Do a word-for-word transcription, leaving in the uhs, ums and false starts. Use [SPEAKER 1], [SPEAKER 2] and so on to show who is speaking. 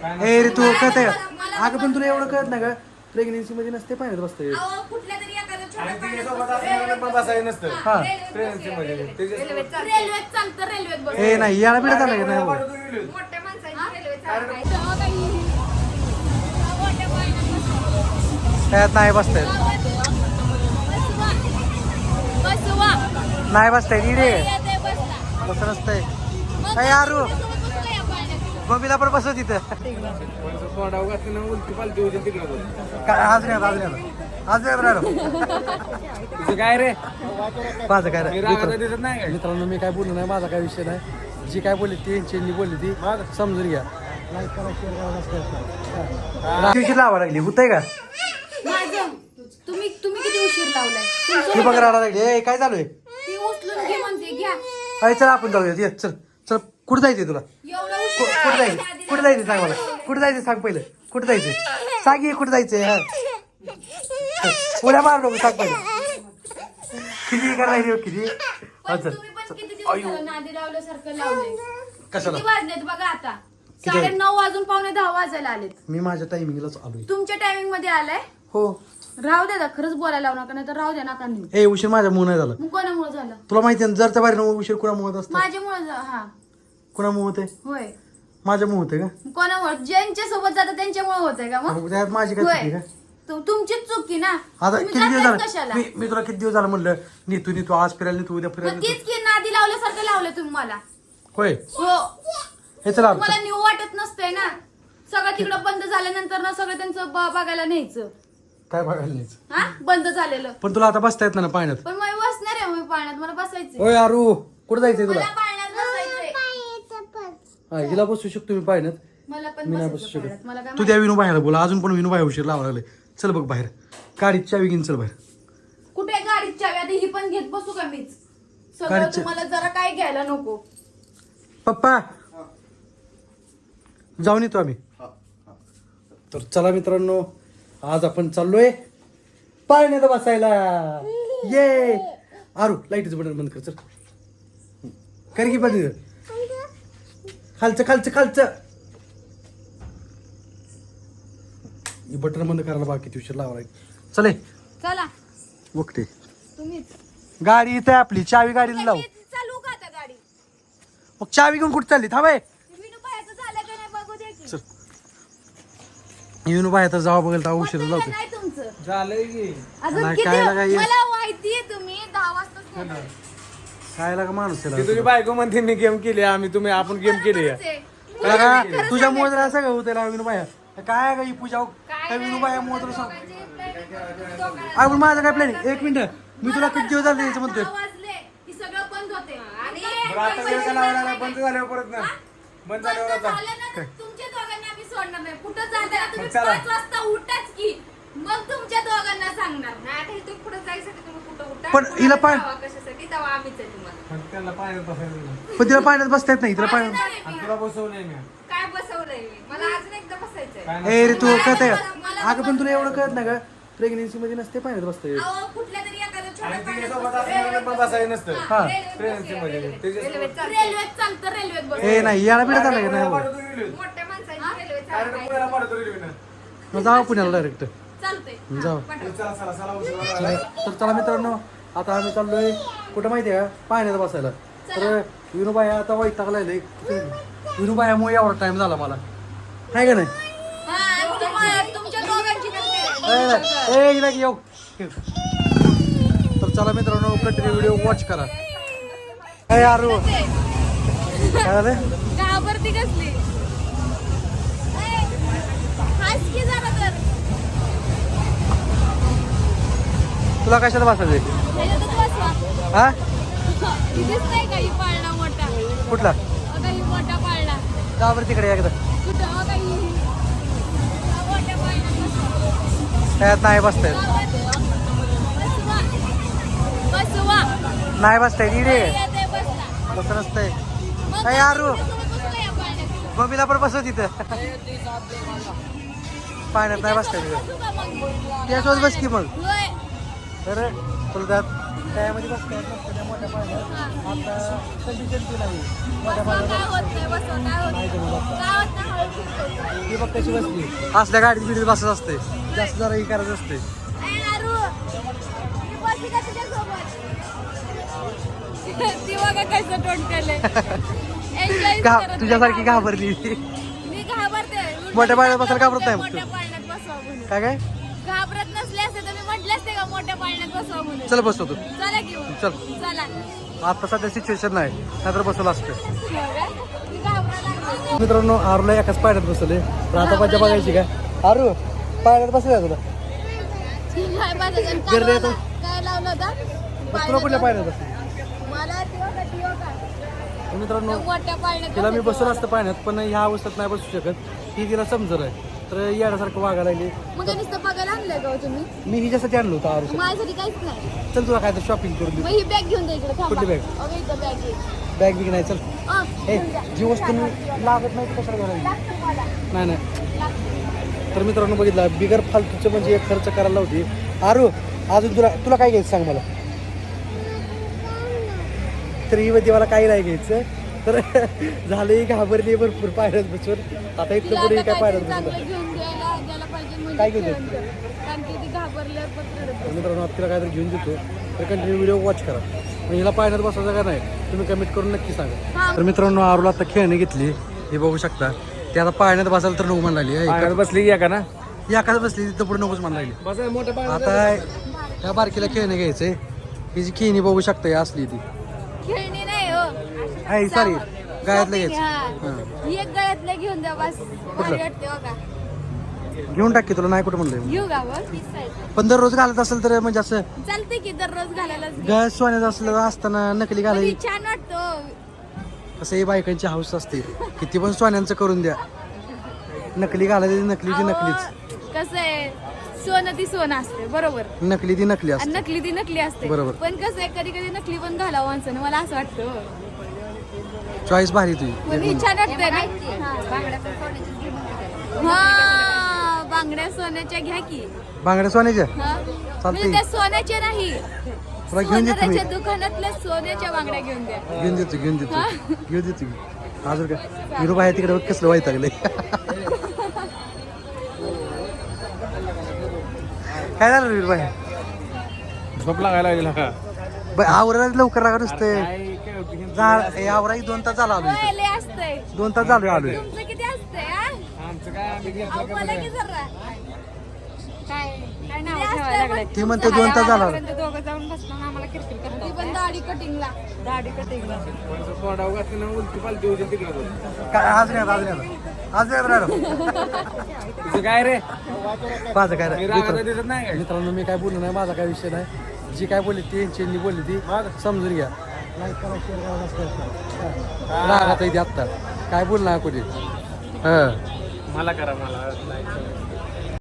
[SPEAKER 1] ए रे तू कळत आहे का अगं पण तुला एवढं कळत नाही का प्रेग्नेन्सी मध्ये नसते पाण्यात बसतं
[SPEAKER 2] अहो, कुठल्या तरी एखाद्या छोट्या
[SPEAKER 3] आणि
[SPEAKER 2] पाण्यात
[SPEAKER 3] तिच्यासोबत
[SPEAKER 2] बसतो.
[SPEAKER 3] असल्यामुळे पण बसायचं नसतं.
[SPEAKER 1] हा.
[SPEAKER 2] रेल्वेत
[SPEAKER 3] प्रेग्नन्सी मध्ये त्याच्या-
[SPEAKER 2] रेल्वेत चालतं रेल्वेत बसतो.
[SPEAKER 1] ए नाही याला बिडत आलं का नाही
[SPEAKER 3] पाठवतो व्हिडिओ.
[SPEAKER 2] मोठ्या माणसाची रेल्वेत चालतं. तेव्हा काही मोठ्या पाण्यात बसतो.
[SPEAKER 1] त्यात नाही बसतायत
[SPEAKER 2] बसवा. बसवा.
[SPEAKER 1] नाही बसतायत इडे
[SPEAKER 2] येते बसला.
[SPEAKER 1] तसं नसतंय
[SPEAKER 2] मग
[SPEAKER 1] काय यारू
[SPEAKER 2] त्याच्यासोबत बसू का या पाण्यात?
[SPEAKER 1] मम्मीला पण बसव तिथं
[SPEAKER 3] पण तोंडावर घातली ना उलटी पालटी होती तिकडे बघ.
[SPEAKER 1] काय आज नाही आज नाही आज नाही राहिलो
[SPEAKER 3] तुझं काय रे
[SPEAKER 1] माझं काय
[SPEAKER 3] मी
[SPEAKER 1] नाही
[SPEAKER 3] रागात
[SPEAKER 1] मित्र-
[SPEAKER 3] दिसत नाही काय?
[SPEAKER 1] मित्रांनो मी काय बोललो नाही माझा काय विषय नाही जी काय बोलली ती यांची बोलली ती समजून घ्या लाईक करा शेअर करा सबस्क्राईब करा रात्रीची लावा लागली होतंय का
[SPEAKER 2] माझं तुम्ही तुम्ही किती उशीर लावलाय तुमचं
[SPEAKER 1] ती बघ राडा लागली ए काय चालू आहे
[SPEAKER 2] ती उचलून घे म्हणते घ्या
[SPEAKER 1] अरे चल आपण जाऊया ये चल चल कुठं जायचंय तुला
[SPEAKER 2] एवढा
[SPEAKER 1] कु-
[SPEAKER 2] उशीर
[SPEAKER 1] कुठं जायचं कुठं जायचं सांग मला कुठं जायचं सांग पहिलं कुठं जायचंय सांग ये कुठं जायचंय हा उड्या मार नको सांग पहिलं किती का राहिली हो, किती हा,
[SPEAKER 2] पण
[SPEAKER 1] चल
[SPEAKER 2] तुम्ही पण किती दिवस झालं नादी लावल्यासारखं लावलंय
[SPEAKER 1] कशाला
[SPEAKER 2] किती वाजलेत बघा आता
[SPEAKER 1] किती
[SPEAKER 2] साडे
[SPEAKER 1] वाजले?
[SPEAKER 2] नऊ वाजून पावणे दहा वाजायला आलेत
[SPEAKER 1] मी माझ्या टायमिंगलाच आलोय
[SPEAKER 2] तुमच्या टायमिंग मध्ये आलाय
[SPEAKER 1] हो
[SPEAKER 2] राहू द्या खरंच बोलायला लावू नका नाही तर राहू द्या नका नेऊ
[SPEAKER 1] ए उशीर माझ्या मुळे नाही झाला
[SPEAKER 2] मग कोणामुळे झालं
[SPEAKER 1] तुला माहिती आहे ना, जर त्या बाहेर उशीर कुणामुळे असतं
[SPEAKER 2] माझ्यामुळे झा- हा
[SPEAKER 1] कुणामुळे होते
[SPEAKER 2] होय
[SPEAKER 1] माझ्यामुळे होते का
[SPEAKER 2] मग कोणामुळे ज्यांच्या सोबत जातं त्यांच्यामुळे होतंय का मग
[SPEAKER 1] मग त्यात माझी काय चुकी
[SPEAKER 2] होय
[SPEAKER 1] का
[SPEAKER 2] तु- तुमचीच चुकी ना
[SPEAKER 1] आता
[SPEAKER 2] तुम्ही
[SPEAKER 1] किती दिवस
[SPEAKER 2] जाताच
[SPEAKER 1] झालं
[SPEAKER 2] कशाला
[SPEAKER 1] मी मी तुला किती दिवस झालं म्हणलं नीतू नीतू आज फिरायला नीतू उद्या
[SPEAKER 2] मग
[SPEAKER 1] फिरायला
[SPEAKER 2] तीच
[SPEAKER 1] नीतू.
[SPEAKER 2] की नादी लावल्यासारखं लावलं तुम्ही मला
[SPEAKER 1] होय
[SPEAKER 2] हो
[SPEAKER 1] हे चला
[SPEAKER 2] तुम्हाला न्यू वाटत नसतंय ना सगळं तिकडं बंद झाल्यानंतर ना सगळं त्यांचं ब- बघायला न्यायचं
[SPEAKER 1] काय बघायला नाही
[SPEAKER 2] हा बंद झालेलं
[SPEAKER 1] पण तुला आता बसता येत ना पाण्यात
[SPEAKER 2] पण मी बसणार आहे मी पाण्यात मला बसायचं
[SPEAKER 1] होय अरू कुठं जायचंय तुला
[SPEAKER 2] मला पाण्यात बसायचंय
[SPEAKER 1] हा हिला बसू शकतो मी पाण्यात
[SPEAKER 2] मला पण
[SPEAKER 1] मी नाही
[SPEAKER 2] बसायचं
[SPEAKER 1] बसू
[SPEAKER 2] पाण्यात. मला
[SPEAKER 1] शकत
[SPEAKER 2] काय
[SPEAKER 1] तू त्या विनू बाहेर बोला अजून पण विनू बाहेर उशीर लावा लागले चल बघ बाहेर गाडीत चावी घेऊन चल बाहेर
[SPEAKER 2] माहित- कुठे गाडीत चावी आता ही पण घेत बसू का मीच सगळं
[SPEAKER 1] गाडीत चा-
[SPEAKER 2] तुम्हाला जरा काय घ्यायला नको
[SPEAKER 1] पप्पा जाऊन येतो आम्ही तर चला मित्रांनो आज आपण चाललोय पाण्यात बसायला ये आरू लाईटीचं बटन बंद कर चल कर की बंद खालचं खालचं खालचं बटन बंद करायला बाकी किती उशीर लावा लागेल चले
[SPEAKER 2] चला
[SPEAKER 1] बघते
[SPEAKER 2] तुम्हीच
[SPEAKER 1] गाडी इथे आपली चावी गाडीला लावू
[SPEAKER 2] मी चालू का आता गाडी
[SPEAKER 1] मग चावी घेऊन कुठे चालली थांबाय
[SPEAKER 2] विनू बाहेरचं झालं का नाही बघू दे की.
[SPEAKER 1] चल येऊन बाय आता जावा बघेल तर उशीर
[SPEAKER 2] होतंय का
[SPEAKER 1] लावते
[SPEAKER 2] नाही तुमचं
[SPEAKER 3] झालंय की
[SPEAKER 2] अजून
[SPEAKER 1] नाही,
[SPEAKER 2] किती
[SPEAKER 1] काय लागा ये?
[SPEAKER 2] मला माहितीये तुम्ही दहा वाजताच बोलताय.
[SPEAKER 1] काय लागा माणूस
[SPEAKER 3] ती तुझी बायको म्हणते मी गेम केली आम्ही तुम्ही आपण गेम केली
[SPEAKER 2] खरंच आहे.
[SPEAKER 1] त्याला तुझ्या मुळे असं काय होतं ना विनू बाया काय का ही पूजा काय विनू बाया मुळे तुला सांग आपण माझं काय प्लॅनिंग एक मिनिट मी तुला किती दिवस झाले याचं म्हणतोय
[SPEAKER 2] दहा वाजले की सगळं बंद होते आणि
[SPEAKER 3] बरं, आता वेळ का लावायला बंद झाल्यावर परत ना बंद
[SPEAKER 2] बंद
[SPEAKER 3] झाल्यावर आता
[SPEAKER 2] झालं ना तर तुमच्या दोघांना आम्ही सोडणार नाही कुठं जाताना तुम्ही
[SPEAKER 3] मग चला.
[SPEAKER 2] पाच वाजता उठाच की मग तुमच्या दोघांना सांगणार नाही आता इथून पुढे जायसाठी तुम्ही कुठं उठा
[SPEAKER 1] पण हिला पाय-
[SPEAKER 2] जावा कशासाठी तेव्हा आम्हीच आहे तुम्हाला
[SPEAKER 3] पण त्याला पाण्यात बसायचं नाही.
[SPEAKER 1] पण तिला पाण्यात बसता येत नाही तिला पाण्यात
[SPEAKER 2] बसणार आहे
[SPEAKER 3] आणि
[SPEAKER 2] मी.
[SPEAKER 3] तुला बसवलंय मी
[SPEAKER 2] काय बसवलंय मी मला अजून एकदा बसायचंय
[SPEAKER 3] काय
[SPEAKER 1] ए
[SPEAKER 3] नाही.
[SPEAKER 1] रे तू कळत आहे
[SPEAKER 2] मला-
[SPEAKER 1] का अगं पण तुला एवढं कळत नाही का प्रेग्नेन्सी मध्ये नसते पाण्यात बसता येत
[SPEAKER 2] अहो, कुठल्या तरी एखाद्या
[SPEAKER 3] आणि
[SPEAKER 2] छोट्या
[SPEAKER 3] तिच्यासोबत
[SPEAKER 2] पाण्यात
[SPEAKER 3] असल्यामुळे पण बसायचं नसतं.
[SPEAKER 1] हा.
[SPEAKER 3] प्रेग्नन्सी मध्ये त्याच्यासोबत-
[SPEAKER 2] रेल्वेत चालतं रेल्वेत बस
[SPEAKER 1] ए नाही याला बिडत आलं का
[SPEAKER 3] पुण्याला
[SPEAKER 1] नाही
[SPEAKER 3] पाठवतो व्हिडिओ.
[SPEAKER 2] मोठ्या माणसाची रेल्वे
[SPEAKER 3] डायरेक्ट पुण्याला पाठवतो व्हिडिओ.
[SPEAKER 1] मग जाऊ पुण्याला डायरेक्ट
[SPEAKER 2] चालतंय
[SPEAKER 1] जाऊ
[SPEAKER 2] हा, पाठव.
[SPEAKER 3] चला चला चला उशीर झाला.
[SPEAKER 1] तर चला मित्रांनो आता आम्ही चाललोय कुठं माहितीये का पाण्यात बसायला तर विनूबाया आता वैतागलाय विनूबायामुळे एवढा टाइम झाला मला आहे का नाही
[SPEAKER 2] हा, आणि तुम्हा- तुमच्या दोघांची नसते.
[SPEAKER 1] ए, नाही. ए हिला येऊ तर चला मित्रांनो कंटिन्यू व्हिडिओ वॉच करा काय यार काय झालं
[SPEAKER 2] घाबरती कसली हाच की जरा तर
[SPEAKER 1] तुला कशाला बसायचंय
[SPEAKER 2] ह्याच्यातच बसवा
[SPEAKER 1] हा
[SPEAKER 2] इथेच नाही का ही पाळणा मोठा
[SPEAKER 1] कुठला
[SPEAKER 2] अगं ही मोठा पाळणा
[SPEAKER 1] जा बरं तिकडे एकदा
[SPEAKER 2] कुठं अगं ही हा मोठ्या पाळण्यात बसवा.
[SPEAKER 1] त्यात नाही बसता येत
[SPEAKER 2] बसवा बसवा
[SPEAKER 1] नाही बसता येत इडे
[SPEAKER 2] येते बसला
[SPEAKER 1] तसं नसतंय
[SPEAKER 2] मग
[SPEAKER 1] काय यारू
[SPEAKER 2] त्याच्यासोबत बसू का या पाळण्यात?
[SPEAKER 1] मम्मीला पण बसव तिथं पाण्यात नाही बसता येत
[SPEAKER 2] बसू का मग?
[SPEAKER 1] त्यासोबत बस की मग
[SPEAKER 2] होय.
[SPEAKER 1] तर तुला त्यात त्यामध्ये बसता येत नसतं त्या मोठ्या पाण्यात आता कंडिशन ती नाही मोठ्या
[SPEAKER 2] बसवा, काय
[SPEAKER 1] पाण्यात
[SPEAKER 2] होत नाही बसवा, काय होत
[SPEAKER 1] नाही
[SPEAKER 2] नाही.
[SPEAKER 1] जमत आता.
[SPEAKER 2] काय होत नाही, हळू फिरतो.
[SPEAKER 1] ती बघ कशी बसली. असल्या गाडीत बिडीत बसत असते, जास्त जरा हे करायचं असते.
[SPEAKER 2] ती बघा कसं तोंड केलंय. Enjoy
[SPEAKER 1] का
[SPEAKER 2] करत
[SPEAKER 1] तुझ्यासारखी
[SPEAKER 2] नाही.
[SPEAKER 1] घाबरली.
[SPEAKER 2] मी घाबरते.
[SPEAKER 1] मोठ्या पाळण्यात बसायला घाबरत नाही मग तू?
[SPEAKER 2] मोठ्या पाळण्यात बसवा म्हणून.
[SPEAKER 1] काय काय
[SPEAKER 2] घाबरत नसले असते तर मी म्हटले असते का मोठ्या पाळण्यात बसवा म्हणून.
[SPEAKER 1] चल बसतो तू.
[SPEAKER 2] चला की मग.
[SPEAKER 1] चल.
[SPEAKER 2] चला.
[SPEAKER 1] आता सध्या सिच्युएशन नाही, नाहीतर बसवलं असतं.
[SPEAKER 2] हो का? मी घाबरायला लागले.
[SPEAKER 1] मित्रांनो आरूला एकाच पाळण्यात बसवले. आता मजा बघायची का? आरू पाळण्यात बसले तुला
[SPEAKER 2] काय बसायचं?
[SPEAKER 1] गर्दी
[SPEAKER 2] काय
[SPEAKER 1] येतो.
[SPEAKER 2] लावलं- काय लावलं होतं?
[SPEAKER 1] तुला कुठल्या पाळण्यात बसले?
[SPEAKER 2] मला ती बघा, ती बघा.
[SPEAKER 1] मित्रांनो
[SPEAKER 2] मोठ्या पाळण्यात
[SPEAKER 1] तिला मी
[SPEAKER 2] बसायचं
[SPEAKER 1] बसवलं
[SPEAKER 2] मला.
[SPEAKER 1] असतं पाण्यात, पण ह्या अवस्थेत नाही बसू शकत. ही तिला समजर आहे, तर येण्यासारखं वागायला लागली.
[SPEAKER 2] मग हे नुसतं बघायला आणलंय का हो तुम्ही?
[SPEAKER 1] मी हिच्यासाठी आणलो होतं आरू.
[SPEAKER 2] माझ्यासाठी काहीच नाही.
[SPEAKER 1] चल तुला काय तर शॉपिंग करून
[SPEAKER 2] मग
[SPEAKER 1] देऊ.
[SPEAKER 2] ही बॅग घेऊन द्या इकडे थांबा.
[SPEAKER 1] कुठली bag?
[SPEAKER 2] अगं इथं बॅग आहे.
[SPEAKER 1] बॅग बिग नाही. चल
[SPEAKER 2] अं,
[SPEAKER 1] हे
[SPEAKER 2] घेऊन द्या.
[SPEAKER 1] जी वस्तू लागत नाही ती कशाला घालायची?
[SPEAKER 2] लागतं मला.
[SPEAKER 1] नाही नाही
[SPEAKER 2] लागतं.
[SPEAKER 1] तर मित्रांनो बघितलं, बिगर फालतूचं म्हणजे एक खर्च करायला होती. आरू अजून तुला तुला काय घ्यायचं सांग मला. तर ही मध्ये मला काही नाही घ्यायचं. तर झालं ही घाबरली भरपूर पायऱ्यात बसून. आता
[SPEAKER 2] तिला
[SPEAKER 1] इथलं पुढे
[SPEAKER 2] आता
[SPEAKER 1] काय पायऱ्यात
[SPEAKER 2] काहीतरी
[SPEAKER 1] बसून.
[SPEAKER 2] चांगलं घेऊन द्यायला द्यायला पाहिजे म्हणजे
[SPEAKER 1] काय घेऊन
[SPEAKER 2] खेळून द्या. कारण की ती घाबरल्यावर पण रडत
[SPEAKER 1] तर मित्रांनो आता तिला काहीतरी घेऊन देतो. तर कंटिन्यू व्हिडिओ वॉच करा. मग हिला पायऱ्यात बसायचं का नाही तुम्ही कमेंट करून नक्की सांगा.
[SPEAKER 2] हा.
[SPEAKER 1] तर मित्रांनो आरूला आता खेळणी घेतली, हे बघू शकता. ती आता पाळण्यात बसायला तर नको म्हणाली.
[SPEAKER 3] पाण्यात बसली की का ना
[SPEAKER 1] एकाच बसली तिथं पुढे नकोच म्हणाली.
[SPEAKER 3] बसा मोठ्या पाण्यात.
[SPEAKER 1] आता या बारकीला खेळणे घ्यायचंय. ही जी खेळणी बघू शकता ही असली ती
[SPEAKER 2] खेळणी नाही हो.
[SPEAKER 1] आहे सॉरी गायतलं
[SPEAKER 2] Shopping,
[SPEAKER 1] घ्यायचं.
[SPEAKER 2] हा.
[SPEAKER 1] हां.
[SPEAKER 2] ही एक गळ्यातलं घेऊन द्या बस. भारी वाटते हो का?
[SPEAKER 1] घेऊन टाक की, तुला नाही कुठं म्हणलंय.
[SPEAKER 2] घेऊ का बघ? तीस size.
[SPEAKER 1] पण दररोज घालत असेल तर म्हणजे असं
[SPEAKER 2] चालते की दररोज घालायलाच घे.
[SPEAKER 1] गळ्यात सोन्याचं असलं असताना नकली
[SPEAKER 2] पण ही
[SPEAKER 1] घालायची
[SPEAKER 2] छान वाटतो.
[SPEAKER 1] कसं ही बायकांची हाऊस असते. किती पण सोन्यांचं करून द्या, नकली घालायची नकलीची नकलीच.
[SPEAKER 2] कसं आहे सोनं ती सोनं असते बरोबर
[SPEAKER 1] नकली ती नकली
[SPEAKER 2] आणि
[SPEAKER 1] असते.
[SPEAKER 2] नकली ती नकली असते.
[SPEAKER 1] बरोबर.
[SPEAKER 2] पण कसं आहे कधी कधी नकली पण घालावं माणसानं मला असं वाटतं.
[SPEAKER 1] चॉईस भारी तुझी.
[SPEAKER 2] पण ही छान वाटतंय ना. हा बांगड्या सोन्याच्या घ्या की.
[SPEAKER 1] बांगड्या सोन्याच्या
[SPEAKER 2] हा.
[SPEAKER 1] चालतंय.
[SPEAKER 2] म्हणजे त्या सोन्याच्या नाही,
[SPEAKER 1] तुला घेऊन देतो मी.
[SPEAKER 2] सोनाराच्या दुकानातल्या सोन्याच्या बांगड्या घेऊन द्या.
[SPEAKER 1] घेऊन देतो घेऊन देतो घेऊन देतो मी. अजून काय हिरो बाहेर तिकडे बघ कसलं वैतागलंय. काय झालं वीर बाहेर?
[SPEAKER 3] झोप लागायला लागली का
[SPEAKER 1] ब- आवरायला लवकर लागा नुसते.
[SPEAKER 3] काय काय होती की?
[SPEAKER 1] जा आवरा दोन तास झाला आलो इथं.
[SPEAKER 2] होय, लय असतंय.
[SPEAKER 1] दोन तास झालो आलोय.
[SPEAKER 2] तुमचं किती असतंय हा?
[SPEAKER 3] आमचं काय आम्ही घेतलं
[SPEAKER 2] अहो,
[SPEAKER 3] का
[SPEAKER 2] मला
[SPEAKER 3] बरं?
[SPEAKER 2] की जरा.
[SPEAKER 4] काय काय नाव
[SPEAKER 2] ते
[SPEAKER 4] ठेवायला
[SPEAKER 2] असतंय
[SPEAKER 4] लागलंय?
[SPEAKER 2] पण
[SPEAKER 1] ती म्हणते दोन तास झाला आलोय.
[SPEAKER 4] आतापर्यंत दोघं जाऊन बसलो आम्हाला किरकिर
[SPEAKER 2] ती
[SPEAKER 4] करतो
[SPEAKER 2] पण दाढी कटिंगला.
[SPEAKER 4] दाढी कटिंगला
[SPEAKER 3] कोणाचं तोंडावर घातलं ना उलटी पालटी होती तिकडं बघ.
[SPEAKER 1] काय आज नाही आज नाही आज नाही राहिलो.
[SPEAKER 3] तुझं काय रे
[SPEAKER 1] माझं काय
[SPEAKER 3] मी
[SPEAKER 1] नाही.
[SPEAKER 3] रागाला
[SPEAKER 1] मित्र-
[SPEAKER 3] दिसत नाही काय
[SPEAKER 1] मित्रांनो मी काय बोललो नाही, माझा काय विषय नाही. जी काय बोलली ती यांची बोलली ती समजून घ्या. लाईक करा शेअर करा सबस्क्राईब करा. रागात आहे ती आत्ता काय बोलणार कोणी. हां
[SPEAKER 3] मला करा मला like करा.